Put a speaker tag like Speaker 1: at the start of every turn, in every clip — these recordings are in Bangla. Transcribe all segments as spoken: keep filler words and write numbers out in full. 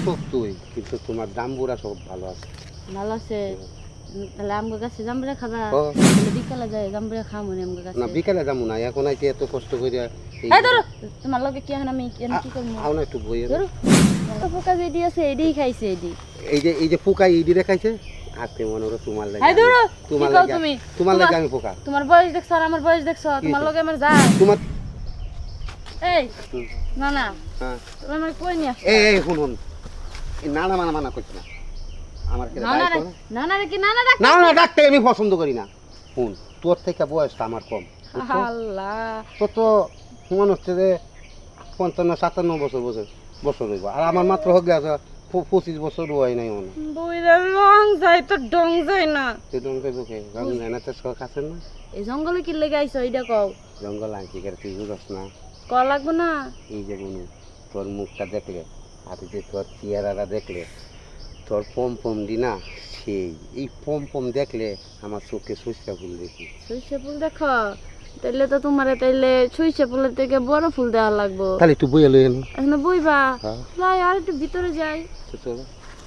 Speaker 1: শক্তই, কিন্তু তোমার জাম্বুরা সব ভালো আছে।
Speaker 2: ভালো আছে। তাহলে আমগো গাছে জাম্বুরা খাবা?
Speaker 1: ও।
Speaker 2: তাহলে বিকালে যাই জাম্বুরা খামু নি আমগো গাছে।
Speaker 1: না বিকালে যাবো না, এখন আইতে এত কষ্ট করিয়া।
Speaker 2: এই ধরো, তোমার লগে কি এখন আমি আমি কি করব?
Speaker 1: আও না একটু বইয়ে।
Speaker 2: ধরো। তো পোকা যেডি আছে এডিই খাইছে এডি।
Speaker 1: এই যে এই যে পোকা ইডি দেখাইছে, হাতে মনে হলো তোমার লাগে।
Speaker 2: এই ধরো,
Speaker 1: তোমার
Speaker 2: কি কও
Speaker 1: লাগে
Speaker 2: তুমি?
Speaker 1: তোমার লাগে আমি পোকা।
Speaker 2: তোমার বয়স দেখছো আর আমার বয়স দেখছো, তোমার লগে আমার যায়।
Speaker 1: তোমার
Speaker 2: এই না না,
Speaker 1: হ্যাঁ
Speaker 2: তুমি আমার কই নি আসছো?
Speaker 1: এই এই শুন শুন, এই না না মানা মানা করছি না আমার কেন
Speaker 2: না না রে, না না রে কি না না ডাক।
Speaker 1: না না ডাকতে আমি পছন্দ করি না। শুন, তোর থেকে বয়সটা আমার কম।
Speaker 2: আল্লাহ,
Speaker 1: তো তো মনে হচ্ছে যে পঞ্চান্ন সাতান্ন বছর বছর বছর হইব, আর আমার মাত্র হোক গেছে পঁচিশ বছর হয় নাই মনে।
Speaker 2: বইরা রং যায় তো ডং যায় না।
Speaker 1: সেরকম বুকে রং জানা তো শখ আছে না।
Speaker 2: এই জঙ্গলে কি লেগে আইছো এইটা কও।
Speaker 1: জঙ্গল আনছি করে তুই বুঝস না।
Speaker 2: ক লাগবো না।
Speaker 1: এই যে গুনু, তোর মুখটা দেখলে আর যে তোর চেহারাটা দেখলে, তোর পম পম দি না সেই, এই পম পম দেখলে আমার চোখে সরিষা ফুল দেখি।
Speaker 2: সরিষা ফুল দেখো, তাইলে তো তোমারে তাইলে সরিষা ফুলের থেকে বড় ফুল দেওয়া লাগবো।
Speaker 1: তাহলে একটু বইয়া লই এনো।
Speaker 2: এখন বইবা?
Speaker 1: হ্যাঁ।
Speaker 2: যাই আর একটু ভিতরে যাই।
Speaker 1: তো চলো।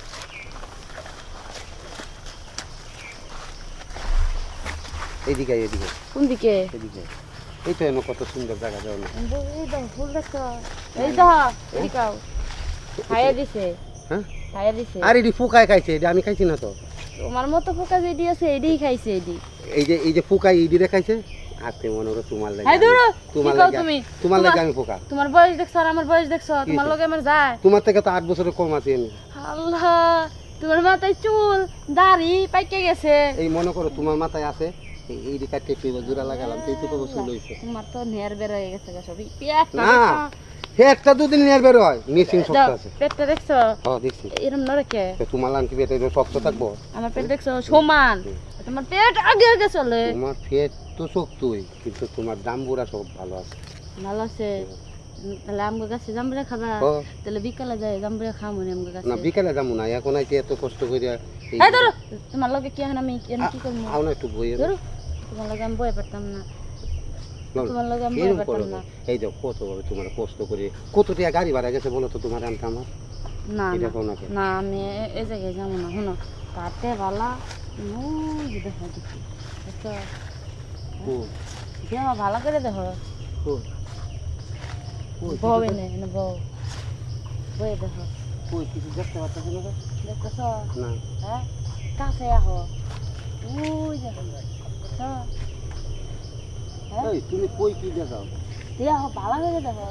Speaker 1: এইদিকে আয়, এদিকে
Speaker 2: কোন দিকে?
Speaker 1: এদিকে। এই তো এনো কত সুন্দর জায়গা যাও না।
Speaker 2: এই দাও ফুল দেখো, এই দাও এদিকাও খাইয়া দিছে।
Speaker 1: হ্যাঁ
Speaker 2: খাইয়া দিছে।
Speaker 1: আর এটি পোকায় খাইছে, এটা আমি খাইছি না তো।
Speaker 2: তোমার মতো পোকা যেডি আছে এডিই খাইছে এডি।
Speaker 1: এই যে এই যে পোকায় ইডি দেখাইছে, হাতে মনে হলো তোমার লাগে।
Speaker 2: এই ধরো,
Speaker 1: তোমার
Speaker 2: কি কও
Speaker 1: লাগে
Speaker 2: তুমি?
Speaker 1: তোমার লাগে আমি পোকা।
Speaker 2: তোমার বয়স দেখছো আর আমার বয়স দেখছো, তোমার লগে আমার যায়।
Speaker 1: তোমার থেকে তো আট বছরের কম আছি আমি।
Speaker 2: আল্লাহ, তোমার মাথায় চুল দাড়ি পাইকে গেছে।
Speaker 1: এই মনে করো তোমার মাথায় আছে, এই এই দিকে কেটে জোড়া লাগালাম, এই তো কত চুল হইছে।
Speaker 2: তোমার তো নেয়ার বের হয়ে গেছে গা সবই। পেট
Speaker 1: না পেটটা দুদিন নিয়ে বের হয়, মিসিং শক্ত আছে।
Speaker 2: পেটটা দেখছো?
Speaker 1: হ্যাঁ দেখছি।
Speaker 2: এরম নরে কে?
Speaker 1: তো তোমার লান কি পেট এটা শক্ত থাকবো?
Speaker 2: আমার পেট দেখছো সমান, তোমার পেট আগে আগে চলে।
Speaker 1: তোমার পেট তো শক্তই, কিন্তু তোমার জাম্বুরা সব ভালো আছে।
Speaker 2: ভালো আছে। উম, তাহলে আমগো গাছে জাম্বুরা খাবা?
Speaker 1: ও।
Speaker 2: তাহলে বিকালে যাই জাম্বুরা খামু নি আমগো গাছে।
Speaker 1: না বিকালে যাবো না, এখন আইতে এত কষ্ট করিয়া। এই
Speaker 2: এই ধরো, তোমার লগে কি এখন আমি আমি কি করব?
Speaker 1: আও না একটু বইয়ে।
Speaker 2: ধরো, তোমার লগে আমি বয়ে পারতাম না। তোমার লগে আমি বয়ে
Speaker 1: এরকম করো
Speaker 2: পারতাম
Speaker 1: না।
Speaker 2: না।
Speaker 1: এই যে কত ভাবে তোমার কষ্ট করে কত টাকা গাড়ি ভাড়া গেছে বলো তো তোমার আনতে আমার।
Speaker 2: না
Speaker 1: এটা
Speaker 2: না,
Speaker 1: কোন আছে?
Speaker 2: না আমি এ- এই জায়গায় যাবো না। শোনো, তাতে বালা ওই যে দেখো দেখি দেখো,
Speaker 1: ও
Speaker 2: দেহ ভালো করে দেখো।
Speaker 1: ও ও
Speaker 2: বউ এনে এনে বউ বয়ে দেখো,
Speaker 1: ওই কিছু দেখতে পাচ্ছ না তো?
Speaker 2: দেখতেছ?
Speaker 1: না
Speaker 2: হ্যাঁ, কাছে আহো। ওই দেখো দেখো, হ্যাঁ
Speaker 1: এই তুমি কই কি দেখাও?
Speaker 2: দেহ ভালো করে দেখো।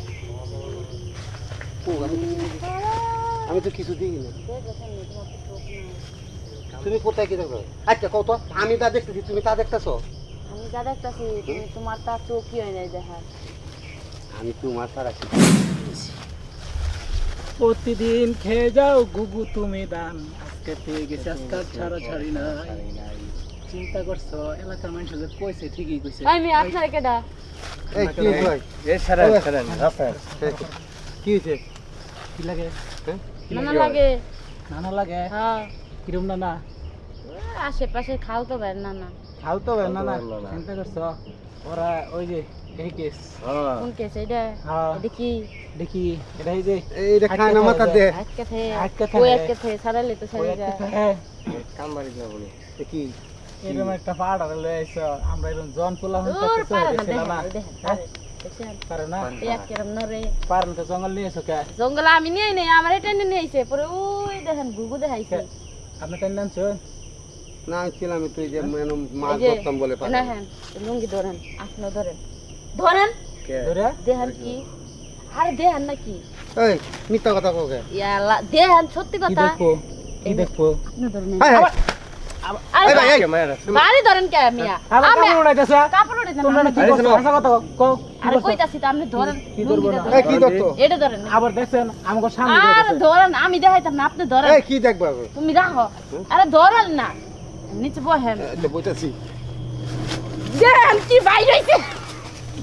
Speaker 1: ও আমি তো কিছু দেখি- আমি তো কিছু দেখি না।
Speaker 2: দেখেছেন না, তোমার তো চোখ নাই।
Speaker 1: তুমি কোথায় কি দেখো? আচ্ছা কত আমি তা দেখতেছি, তুমি তা দেখতেছো?
Speaker 2: আমি যা দেখতেছি তুমি তোমার তার চোখই হয় নাই দেখার।
Speaker 1: আমি তোমার ছাড়া কি?
Speaker 3: প্রতিদিন খেয়ে যাও গুগু তুমি দান, আজকে পেয়ে গেছে আজকে আর ছাড়া ছাড়ি না। চিন্তা করছো এলাকার মানুষ যে কইছে ঠিকই কইছে।
Speaker 2: আমি আপনার কেডা?
Speaker 1: এই কি হইছে ভাই?
Speaker 3: এ ছাড়া ছাড়া রাস্তা
Speaker 1: কি হইছে?
Speaker 3: কি লাগে?
Speaker 1: হ্যাঁ
Speaker 2: নানা লাগে।
Speaker 3: নানা লাগে?
Speaker 2: হ্যাঁ,
Speaker 3: কিরম নানা?
Speaker 2: ওই আশেপাশে খাও তো ভাই নানা।
Speaker 3: খাও তো নানা। চিন্তা করছো ওরা ওই যে এই কেস।
Speaker 2: কোন কেস এটা?
Speaker 3: হ্যাঁ
Speaker 2: দেখি
Speaker 3: দেখি এটা এই যে
Speaker 1: এইটা খায় না মাথা দে।
Speaker 2: আজকে থে
Speaker 3: আজকে থে।
Speaker 2: ওই আজকে থে সারালে তো সারি যা।
Speaker 1: কামবাড়ি না বলে কি
Speaker 3: এরকম একটা পাহাড় লয়ে আইছো, আমরা এরকম জন পোলা হন
Speaker 2: দূর
Speaker 3: করতেছো
Speaker 2: পারে না,
Speaker 3: দেখছিলাম না।
Speaker 2: দেখেন দেখেন পারে, দেখছেন?
Speaker 3: পারে না?
Speaker 2: এক কেরম নরে
Speaker 3: পারেন তো জঙ্গল নিয়ে এসো কে?
Speaker 2: জঙ্গলে আমি নিয়ে নেই, আমার এটা নিয়ে আইছে পরে ওই দেখেন গুগু দেখাইছে।
Speaker 3: আপনি টেন আনছেন?
Speaker 1: না ছিলাম তুই যে মানে মাছ
Speaker 2: এই যে,
Speaker 1: ধরতাম বলে পারে।
Speaker 2: না হ্যাঁ, লুঙ্গি ধরেন, আপনি ধরেন ধরেন
Speaker 3: ধরে
Speaker 2: দেখেন কি, আরে দেখেন নাকি
Speaker 1: এই মিথ্যা কথা কোকে?
Speaker 2: ইয়ালা দেখেন সত্যি
Speaker 3: কি
Speaker 2: কথা।
Speaker 3: দেখবো কি দেখবো?
Speaker 2: আপনি ধরেন
Speaker 1: হাই হাই
Speaker 2: আরে
Speaker 1: এই ভাই এই
Speaker 2: বাড়ি ধরেন কে মিয়া?
Speaker 3: আবার
Speaker 2: আমি
Speaker 3: কাপড় উড়াইতেছে।
Speaker 2: কাপড় উঠে দেন,
Speaker 3: তোমরা না
Speaker 2: আমি
Speaker 3: কি
Speaker 2: ধরেন।
Speaker 3: করছো? আসা কথা কও।
Speaker 2: আরে কইতাছি তো আপনি ধরেন,
Speaker 3: কি ধরবো
Speaker 2: লুঙ্গিটা
Speaker 3: না?
Speaker 1: এই
Speaker 2: ধরেন।
Speaker 1: কি ধরতো?
Speaker 2: এটা ধরেন।
Speaker 3: আবার দেখছেন আমাকে সামনে
Speaker 2: আরে
Speaker 3: দিতেছে।
Speaker 2: ধরেন, আমি দেখাইতাম না, আপনি ধরেন।
Speaker 1: এই কি দেখবা?
Speaker 2: তুমি রাখো, আরে ধরেন না, নিচে বহেন।
Speaker 1: এটা বইতাছি।
Speaker 2: দেখেন কি বাইর হইছে।